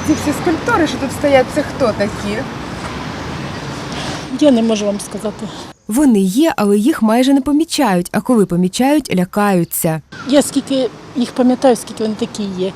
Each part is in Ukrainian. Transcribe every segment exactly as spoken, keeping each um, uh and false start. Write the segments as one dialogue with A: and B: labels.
A: ці всі скульптури, що тут стоять, це хто такі?
B: Я не можу вам сказати.
C: Вони є, але їх майже не помічають, а коли помічають, лякаються.
B: Я скільки їх пам'ятаю, скільки вони такі є,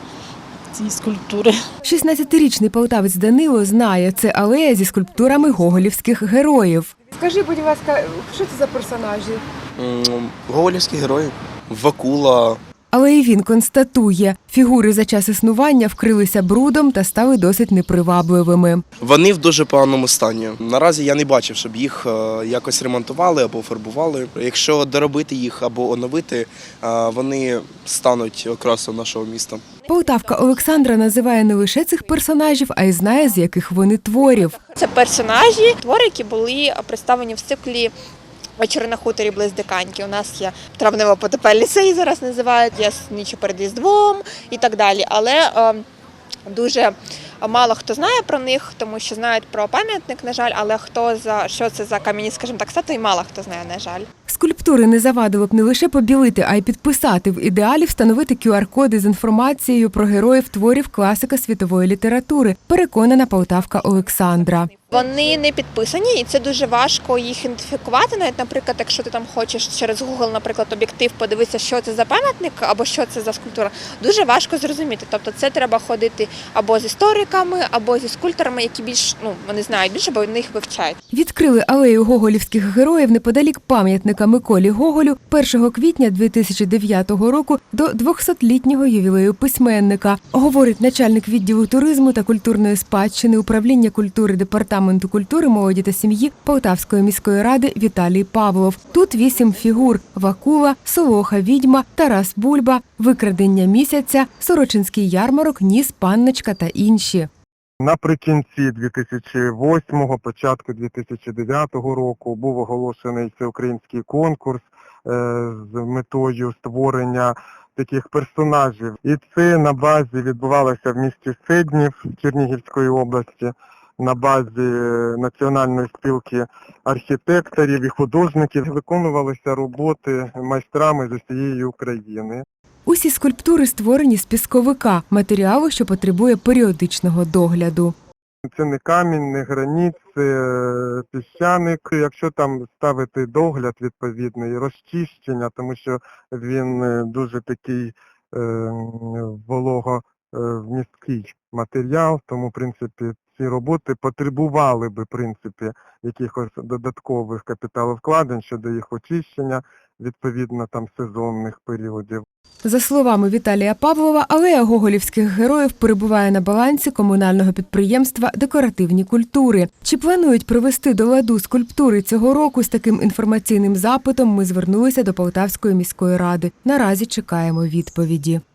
B: ці скульптури.
C: шістнадцятирічний полтавець Данило знає, це алея зі скульптурами гоголівських героїв.
A: Скажи, будь ласка, що це за персонажі?
D: Гоголівські герої. Вакула.
C: Але і він констатує, фігури за час існування вкрилися брудом та стали досить непривабливими.
D: Вони в дуже поганому стані. Наразі я не бачив, щоб їх якось ремонтували або фарбували. Якщо доробити їх або оновити, вони стануть окрасою нашого міста.
C: Полтавка Олександра називає не лише цих персонажів, а й знає, з яких вони творів.
E: Це персонажі, твори, які були представлені в циклі «Вечори на хуторі близ Диканьки». У нас є травнево-потопельний сей, зараз називають, є «Ніч перед Різдвом» і так далі. Але е, дуже мало хто знає про них, тому що знають про пам'ятник, на жаль, але хто за що це за кам'яні, скажімо так, статуї, мало хто знає, на жаль.
C: Скульптури не завадило б не лише побілити, а й підписати, в ідеалі встановити ку ар коди з інформацією про героїв творів класика світової літератури, переконана полтавка Олександра.
E: Вони не підписані, і це дуже важко їх ідентифікувати. Навіть, наприклад, якщо ти там хочеш через Google, наприклад, об'єктив подивитися, що це за пам'ятник або що це за скульптура, дуже важко зрозуміти. Тобто це треба ходити або з істориками, або зі скульпторами, які більш, ну, вони знають більше, бо вони їх вивчають.
C: Відкрили алею гоголівських героїв неподалік пам'ятника Миколі Гоголю першого квітня дві тисячі дев'ятого року до двохсотлітнього ювілею письменника, говорить начальник відділу туризму та культурної спадщини управління культури департаменту Департаменту культури, молоді та сім'ї Полтавської міської ради Віталій Павлов. Тут вісім фігур – Вакула, Солоха Відьма, Тарас Бульба, Викрадення місяця, Сорочинський ярмарок, Ніс, Панночка та інші.
F: Наприкінці дві тисячі восьмого, початку дві тисячі дев'ятого року був оголошений всеукраїнський конкурс з метою створення таких персонажів. І це на базі відбувалося в місті Седнів Чернігівської області, на базі Національної спілки архітекторів і художників. Виконувалися роботи майстрами з усієї України.
C: Усі скульптури створені з пісковика, матеріалу, що потребує періодичного догляду.
F: Це не камінь, не граніт, це піщаник. Якщо там ставити догляд відповідний, розчищення, тому що він дуже такий е, вологовмісткий матеріал, тому, в принципі, ці роботи потребували би, в принципі, якихось додаткових капіталовкладень щодо їх очищення, відповідно, там сезонних періодів.
C: За словами Віталія Павлова, алея гоголівських героїв перебуває на балансі комунального підприємства «Декоративні культури». Чи планують привести до ладу скульптури цього року? З таким інформаційним запитом ми звернулися до Полтавської міської ради. Наразі чекаємо відповіді.